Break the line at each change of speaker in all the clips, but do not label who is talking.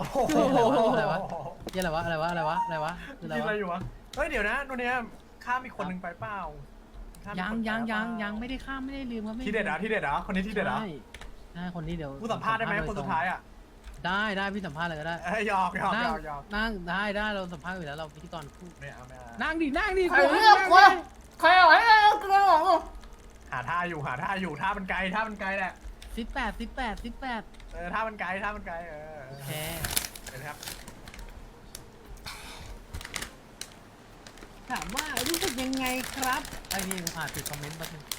โหอะไรวะอะไรวะอะไรวะอะไรวะอะไรวะคืออะไร
กินอะไร
วะ
อยู่วะเฮ้ยเดี๋ยวนะโนเนี้ยข้ามอีกคนหนึ่งไปเปล่าข้ามอีก
ยัง
คนไป
ยัง
เป
ยั
ล่าง
ยังไม่ได้ข้ามไม่ได้ลืมครับไม่
ที่เด็ดเหรอที่เด็ดเหรอคนนี้ที่เด็ดเหรอ
ใช่ใช่คนนี้เดี๋ยว
กูสัมภาษณ์ได้ไหมคนสุดท้ายอ่ะ
ได้พี่สัมภาษณ์เลยก็ได้
หยอกหยอก
นั่
ห
ง
ยอกหยอก
นั่งได้เราสัมภาษณ์อยู่แล้วเราพิธีกรคู่
ไม่เอาไม่เอา
นั่งดิ
ใครเลือกวะใครเอาไว้เกลือหรอ
หาท่าอยู่ท่ามันไกลแหละ
18
ท่ามันไกล
โอเค
เห็นไหมครับ
ถามว่ารู้สึกยังไงครับไอ้นี่ผมอ่านติดคอมเมนต์แป๊บนึง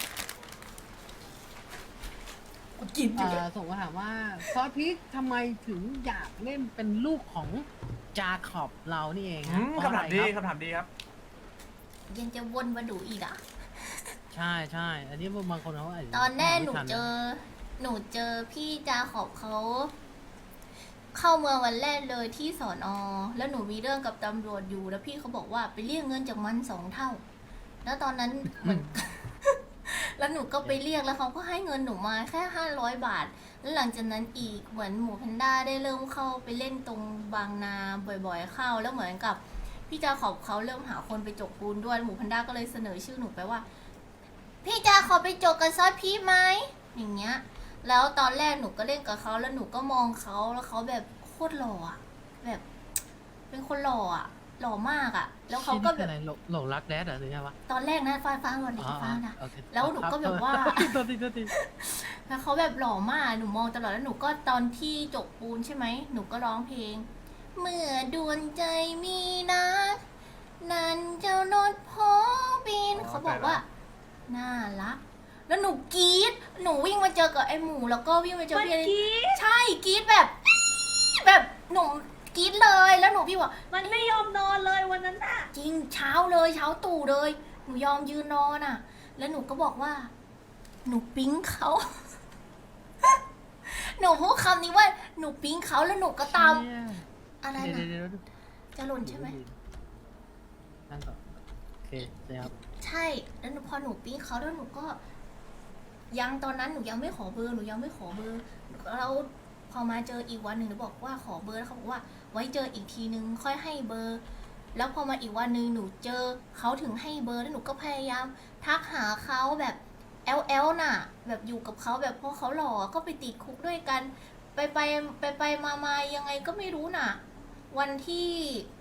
กูกินอยู่เลย
ส่งมาถามว่าซอสพริกทำไมถึงอยากเล่นเป็นลูกของจาขอบเรานี่เองฮะเพระ
คำถามดี
อะไรครับ
คำถามดีครับ
ยังจะวนมาดูอีกอ่ะ
ใช่ อันนี้บางคนเขาอาจจะ
ตอนแรกหนู
ไม่ทัะ
หนูเจอพี่จาขอบเขา เข้าเมืองวันแรกเลยที่สอนอแล้วหนูมีเรื่องกับตำรวจอยู่แล้วพี่เขาบอกว่าไปเรียกเงินจากมัน2 เท่า แล้วตอนนั้นเหมือน แล้วหนูก็ไปเรียกแล้วเขาก็ให้เงินหนูมาแค่500 บาท แล้วหลังจากนั้นอีกเหมือนหมูแพนด้าได้เริ่มเข้าไปเล่นตรงบางนาบ่อยๆเข้า แล้วเหมือนกับพี่จาขอบเขาเริ่มหาคนไปจกปูนด้วยหมูแพนด้าก็เลยเสนอชื่อหนูไปว่า พี่จาขอไปจกกับซอสพีไหมอย่างเงี้ย แล้วตอนแรกหนูก็เล่นกับเขาแล้วหนูก็มองเขาแล้วเขาแบบโคตรหล่ออะแบบ เป็นคนหล่ออะหล่อมากอะแล้วเขาก็แบบ
อะไรหลงรักแดดเหรอหรือไงวะ
ตอนแรกนะฟ้าวันนี้ฟ้านะ
โอเค
แล้วหนูก็แบบว่า
ตัวที
แล้วเขาแบบหล่อมากหนูมองตลอดแล้วหนูก็ตอนที่จกปูนใช่ไหมหนูก็ร้องเพลง เมื่อดวงใจมีนะนั่นเจ้านดพอบินเขาบอกว่าน่ารักแล้วหนูกรี๊ดหนูวิ่งมาเจอกับไอ้หมูแล้วก็วิ่งมาเจอพี่ใช่กรี๊ดแบบหนูกรี๊ดเลยแล้วหนูพี่บอก
มันไม่ยอมนอนเลยวันนั้นน่ะ
จริงเช้าเลยเช้าตู่เลยหนูยอมยืนนอนอ่ะ แล้วหนูก็บอกว่า หนูปิ๊งเขา หนูพูดคำนี้ว่าหนูปิ๊งเขาแล้วหนูก็ตามอะไร
เดี๋ยว
นะจะหล่นใช่ไหม
นั่งก่อนโอเคใช่ครับ
ใช่แล้วพอหนูปิ๊งเขาแล้วหนูก็ ยังตอนนั้นหนูยังไม่ขอเบอร์แล้วพอมาเจออีกวันหนึ่งหนูบอกว่าขอเบอร์แล้วเขาบอกว่าไว้เจออีกทีนึงค่อยให้เบอร์ แล้วพอมาอีกวันหนึ่งหนูเจอเขาถึงให้เบอร์แล้วหนูก็พยายามทักหาเขาแบบน่ะ แบบอยู่กับเขาแบบเพราะเขาหล่อก็ไปติดคุกด้วยกันไปมายังไงก็ไม่รู้น่ะ วันที่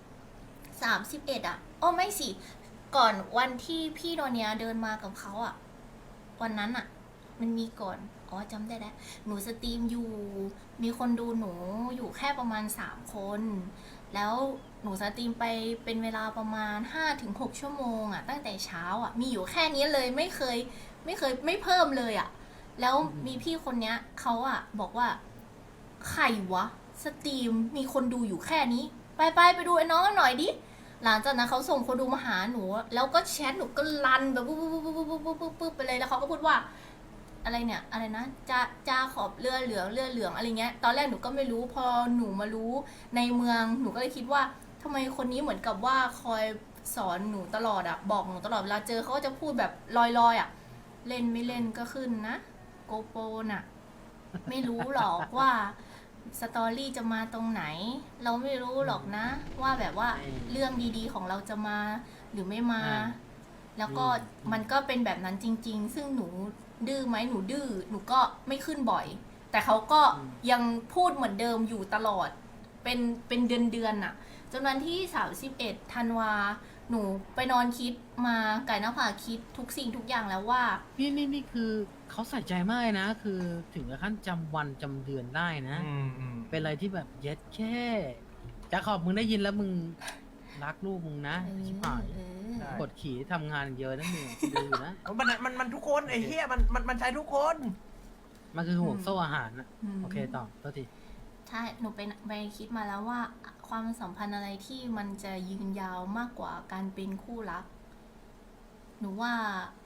31อ่ะไม่สิก่อนวันที่พี่โดเนียเดินมากับเขาอ่ะวันนั้นอ่ะ มันมีก่อนจำได้แล้วหนูสตรีมอยู่มีคนดูหนูอยู่แค่ประมาณ3 คนแล้วหนูสตรีมไปเป็นเวลาประมาณ 5-6 ชั่วโมงอ่ะตั้งแต่เช้าอ่ะมีอยู่แค่นี้เลยไม่เคยไม่เพิ่มเลยอ่ะแล้วมีพี่คนเนี้ยเขาอ่ะบอกว่าใครวะสตรีมมีคนดูอยู่แค่นี้ไปดูไอ้น้องกันหน่อยดิหลังจากนั้นเขาส่งคนดูมาหาหนูแล้วก็แชทหนูก็รันแบบปุ๊บไปเลยแล้วเขาก็พูดว่าอะไรเนี่ยอะไรนะจะขอบเรือเหลืองอะไรเงี้ยตอนแรกหนูก็ไม่รู้พอหนูมารู้ในเมืองหนูก็เลยคิดว่าทำไมคนนี้เหมือนกับว่าคอยสอนหนูตลอดอะบอกหนูตลอดเวลาเจอเขาก็จะพูดแบบลอยอะเล่นไม่เล่นก็ขึ้นนะโกโปรน่ะไม่รู้หรอกว่าสตอรี่จะมาตรงไหนเราไม่รู้หรอกนะ ว่าแบบว่าเรื่องดีๆของเราจะมาหรือไม่มา แล้วก็มันก็เป็นแบบนั้นจริงๆซึ่งหนูดื้อไหมหนูดื้อหนูก็ไม่ขึ้นบ่อยแต่เขาก็ยังพูดเหมือนเดิมอยู่ตลอดเป็นเดือนน่ะจนวันที่31 ธันวาหนูไปนอนคิดมาไก่หน้าผาคิดทุกสิ่งทุกอย่างแล้วว่า
นี่คือเขาใส่ใจมากนะคือถึงขั้นจำวันจำเดือนได้นะเป็นอะไรที่แบบเย็ดแค่จะขอบมึงได้ยินแล้วมึงรักลูกมึงนะชิบหายกดขี่ทำงานเยอะนะมึงดูนะ
มันทุกคนไอ้เหี้ยมันใช้ทุกคน
มันคือห่วงโซ่อาหารนะโอเคต่อตัวที
ใช่หนูไปคิดมาแล้วว่าความสัมพันธ์อะไรที่มันจะยืนยาวมากกว่าการเป็นคู่รักหนูว่า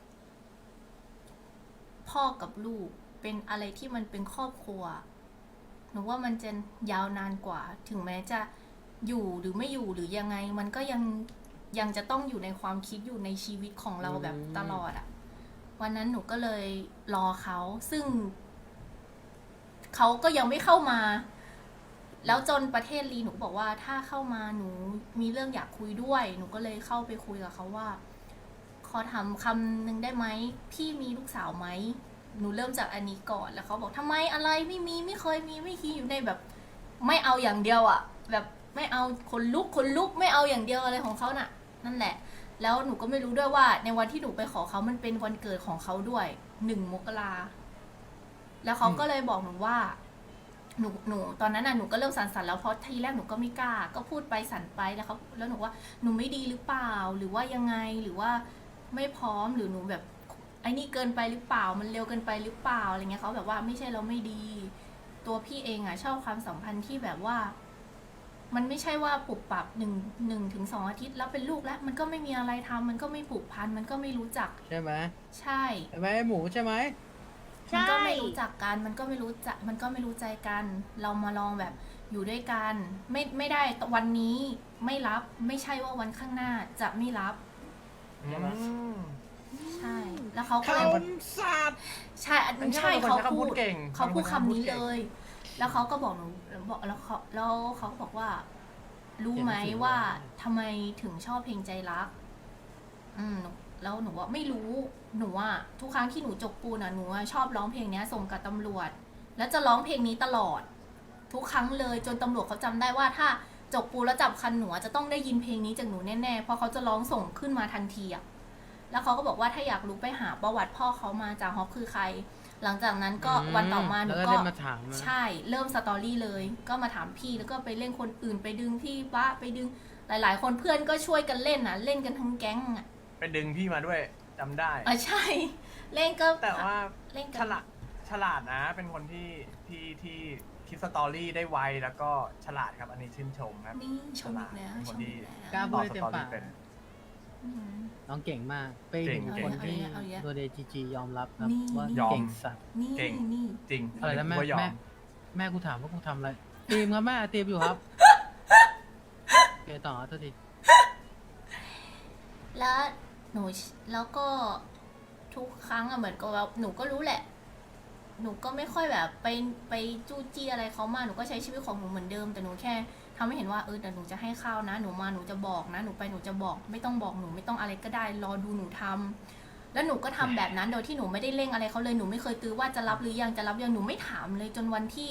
พ่อกับลูกเป็นอะไรที่มันเป็นครอบครัวหนูว่ามันจะยาวนานกว่าถึงแม้จะอยู่หรือไม่อยู่หรือยังไงมันก็ยังจะต้องอยู่ในความคิดอยู่ในชีวิตของเราแบบตลอดอะวันนั้นหนูก็เลยรอเขาซึ่งเขาก็ยังไม่เข้ามาแล้วจนประเทศลีหนูบอกว่าถ้าเข้ามาหนูมีเรื่องอยากคุยด้วย หนูก็เลยเข้าไปคุยกับเขาว่า ขอถามคำหนึ่งได้ไหมพี่มีลูกสาวไหมหนูเริ่มจากอันนี้ก่อนแล้วเขาบอกทำไมอะไรไม่มีไม่เคยมีไม่คิดอยู่ในแบบ ไม่เอาอย่างเดียวอะแบบไม่เอาคนลุกไม่เอาอย่างเดียวอะไรของเขาน่ะ นั่นแหละ แล้วหนูก็ไม่รู้ด้วยว่าในวันที่หนูไปขอเขามันเป็นวันเกิดของเขาด้วย1 มกราแล้วเขาก็เลยบอกหนูว่าหนูตอนนั้นน่ะหนูก็เริ่มสั่นๆแล้วเพราะทีแรกหนูก็ไม่กล้าก็พูดไปสั่นไปแล้วหนูว่าหนูไม่ดีหรือเปล่าหรือว่ายังไงหรือว่าไม่พร้อมหรือหนูแบบไอ้นี่เกินไปหรือเปล่ามันเร็วเกินไปหรือเปล่าอะไรเงี้ยเขาแบบว่าไม่ใช่เราไม่ดี ตัวพี่เองอ่ะชอบความสัมพันธ์ที่แบบว่า มันไม่ใช่ว่าปรับปรับ1 ถึง 2 อาทิตย์แล้วเป็นลูกแล้ว มันก็ไม่มีอะไรทำมันก็ไม่ผูกพันมันก็ไม่รู้จัก
ใช่ไหม
ใช่
ใช่ไหมหมูใช่ไหม
มันก็ไม่รู้จักกันมันก็ไม่รู้จักมันก็ไม่รู้ใจกัน เรามาลองแบบอยู่ด้วยกันไม่ได้วันนี้ไม่รับไม่ใช่ว่าวันข้างหน้าจะไม่รับ ใช่ แล้วเขาก็เลย
คำสัตว์
ใช่ใช่เขาพูด
เก่ง
เขาพูดคำนี้เลย แล้วเขาก็บอกหนูบอกแล้วเขาก็บอกว่า รู้ไหมว่าทำไมถึงชอบเพลงใจรักแล้วหนูว่าไม่รู้หนูว่าทุกครั้งที่หนูจกปูนหนูชอบร้องเพลงนี้ส่งกับตำรวจ แล้วจะร้องเพลงนี้ตลอด ทุกครั้งเลยจนตำรวจเขาจำได้ว่าถ้าจกปูแล้วจับคันหนูจะต้องได้ยินเพลงนี้จากหนูแน่ๆเพราะเขาจะร้องส่งขึ้นมาทันทีอะแล้วเขาก็บอกว่าถ้าอยากรู้ไปหาประวัติพ่อเขามาจากฮอปคือใคร หลังจากนั้นก็วันต่อมาหนูก็ใช่เริ่มสตอรี่เลยก็มาถามพี่แล้วก็ไปเล่นคนอื่นไปดึงพี่ป้าไปดึงหลายๆคนเพื่อนก็ช่วยกันเล่นเล่นกันทั้งแก๊ง
ไปดึงพี่มาด้วยจำได้
ใช่เล่นก็
แต่ว่า
เล่นกัน
ฉลาดนะเป็นคนที่คิดสตอรี่ได้ไวแล้วก็ฉลาดครับอันนี้ชื่นชมครับ
นี่ชมอีกแล้ว
คนที่
กล้าพูดได้เต็มปากน้องเก่งมากเป็นคนที่ตัวเดจียอมรับครับว่าเก่งสัตว์
เก่งจริง
อะไรนะแม่กูถามว่ากูทำอะไรตีมครับแม่ตีมอยู่ครับเกต่อตัวที
แล้วหนูแล้วก็ทุกครั้งเหมือนกับว่าหนูก็รู้แหละหนูก็ไม่ค่อยแบบไปจู้จี้อะไรเขามาหนูก็ใช้ชีวิตของหนูเหมือนเดิมแต่หนูแค่ทำให้เห็นว่าแต่หนูจะให้ข้าวนะหนูมาหนูจะบอกนะหนูไปหนูจะบอกไม่ต้องบอกหนูไม่ต้องอะไรก็ได้รอดูหนูทำแล้วหนูก็ทำแบบนั้นโดยที่หนูไม่ได้เร่งอะไรเขาเลยหนูไม่เคยตื้อว่าจะรับหรือยังจะรับยังหนูไม่ถามเลยจนวันที่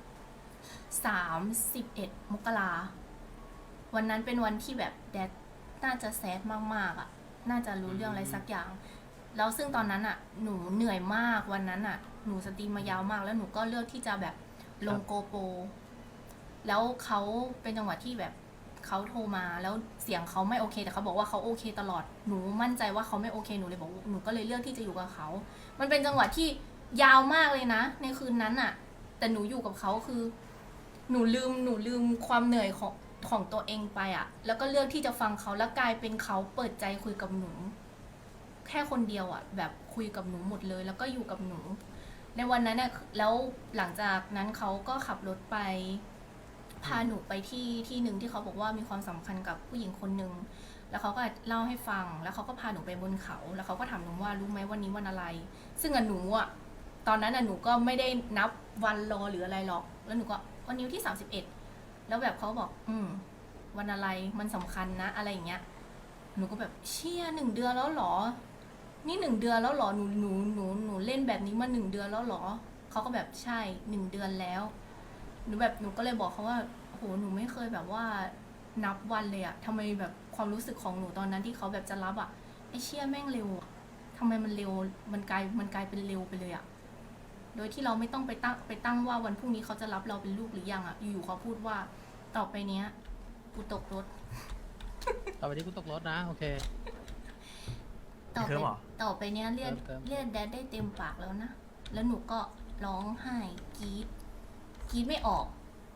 31 มกราวันนั้นเป็นวันที่แบบแดดน่าจะแซดมากๆอ่ะน่าจะรู้เรื่องอะไรสักอย่างแล้วซึ่งตอนนั้นอ่ะหนูเหนื่อยมากวันนั้นอ่ะหนูสตรีมมายาวมากแล้วหนูก็เลือกที่จะแบบลงโกโปรแล้วเขาเป็นจังหวะที่แบบเขาโทรมาแล้วเสียงเขาไม่โอเคแต่เขาบอกว่าเขาโอเคตลอดหนูมั่นใจว่าเขาไม่โอเคหนูเลยบอกหนูก็เลยเลือกที่จะอยู่กับเขามันเป็นจังหวะที่ยาวมากเลยนะในคืนนั้นอ่ะแต่หนูอยู่กับเขาคือหนูลืมความเหนื่อยของตัวเองไปอ่ะแล้วก็เลือกที่จะฟังเขาแล้วกลายเป็นเขาเปิดใจคุยกับหนูแค่คนเดียวอ่ะแบบคุยกับหนูหมดเลยแล้วก็อยู่กับหนูในวันนั้นเนี่ยแล้วหลังจากนั้นเขาก็ขับรถไปพาหนูไปที่หนึ่งที่เขาบอกว่ามีความสำคัญกับผู้หญิงคนหนึ่งแล้วเขาก็เล่าให้ฟังแล้วเขาก็พาหนูไปบนเขาแล้วเขาก็ถามหนูว่ารู้ไหมวันนี้วันอะไรซึ่งหนูอ่ะตอนนั้นหนูก็ไม่ได้นับวันรอหรืออะไรหรอกแล้วหนูก็วันนี้ที่31แล้วแบบเขาบอกวันอะไรมันสำคัญนะอะไรอย่างเงี้ยหนูก็แบบเชี่ย1 เดือนแล้วหรอนี่1 เดือนแล้วหรอหนูเล่นแบบนี้มา1 เดือนแล้วหรอเขาก็แบบใช่1 เดือนแล้วหนูก็เลยบอกเขาว่าโหหนูไม่เคยแบบว่านับวันเลยอะทำไมแบบความรู้สึกของหนูตอนนั้นที่เขาแบบจะรับอะไอเชี่ยแม่งเร็วอะทำไมมันเร็วมันกลายเป็นเร็วไปเลยอะโดยที่เราไม่ต้องไปตั้งว่าวันพรุ่งนี้เขาจะรับเราเป็นลูกหรือยังอะอยู่ๆเขาพูดว่าต่อไปเนี้ยกูตกรถ
ต่อไปนี้กูตกรถนะโอเค
ต่อไปเนี้ยเรียกแดดได้เต็มปากแล้วนะแล้วหนูก็ร้องไห้กรี๊ดไม่ออก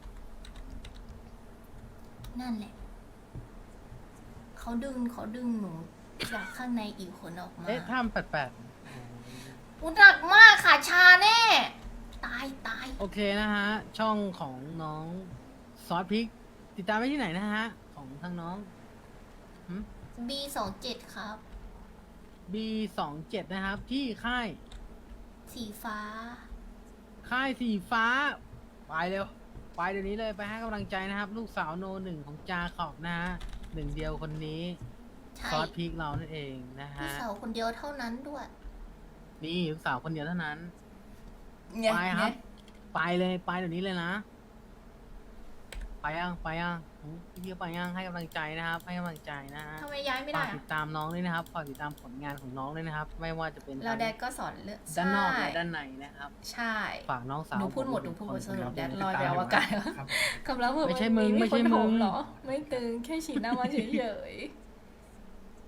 นั่นแหละเขาดึงหนูจากข้างในอีกคนออกมา
ท่ามแปด
อุหนักมากค่ะชาแน่ตาย
โอเคนะฮะช่องของน้องซอสพริกติดตามได้ที่ไหนนะฮะของทางน้อง
B27 ครับ
B27 นะครับที่ค่าย
สีฟ้า
ไปเร็วไปเดี๋ยวนี้เลยไปให้กำลังใจนะครับ ลูกสาวโนหนึ่งของจาขอบนะฮะหนึ่งเดียวคนนี้
ใช่
ซอสพริกเรานั่นเองนะ
พี่
ฮะ
สาวคนเดียวเท่านั้นด้วย
นี่ลูกสาวคนเดียวเท่านั้น
เนี่ย
ไปครับ
เนี่ย
ไปเลยไปเดี๋ยวนี้เลยนะ ไปยังพี่ไปยังให้กำลังใจนะครับ ให้กำลังใจนะฮะ
ทำไมย้ายไม่
ฝา
ได้
กติ
อะ
ดตามน้องด้วยนะครับฝากติดตามผลงานของน้องด้วยนะครับ ไม่ว่าจะเป็น
เราแดดก็สอนเรื่อง
ด้านนอก
ใช่
และด้านในนะครับ
ใช่
ฝากน้องสาว
หนูพูดหมด
ผ
หนูพูดหมด
ค
สรุป
ครับ
แดดลอยไปอวกาศ
ครับ
คำรับ
ไม่ใช่มึงไม่ใช่มึง
เหรอ ไม่ตึงแค่ฉีดหน้ามาเฉยๆ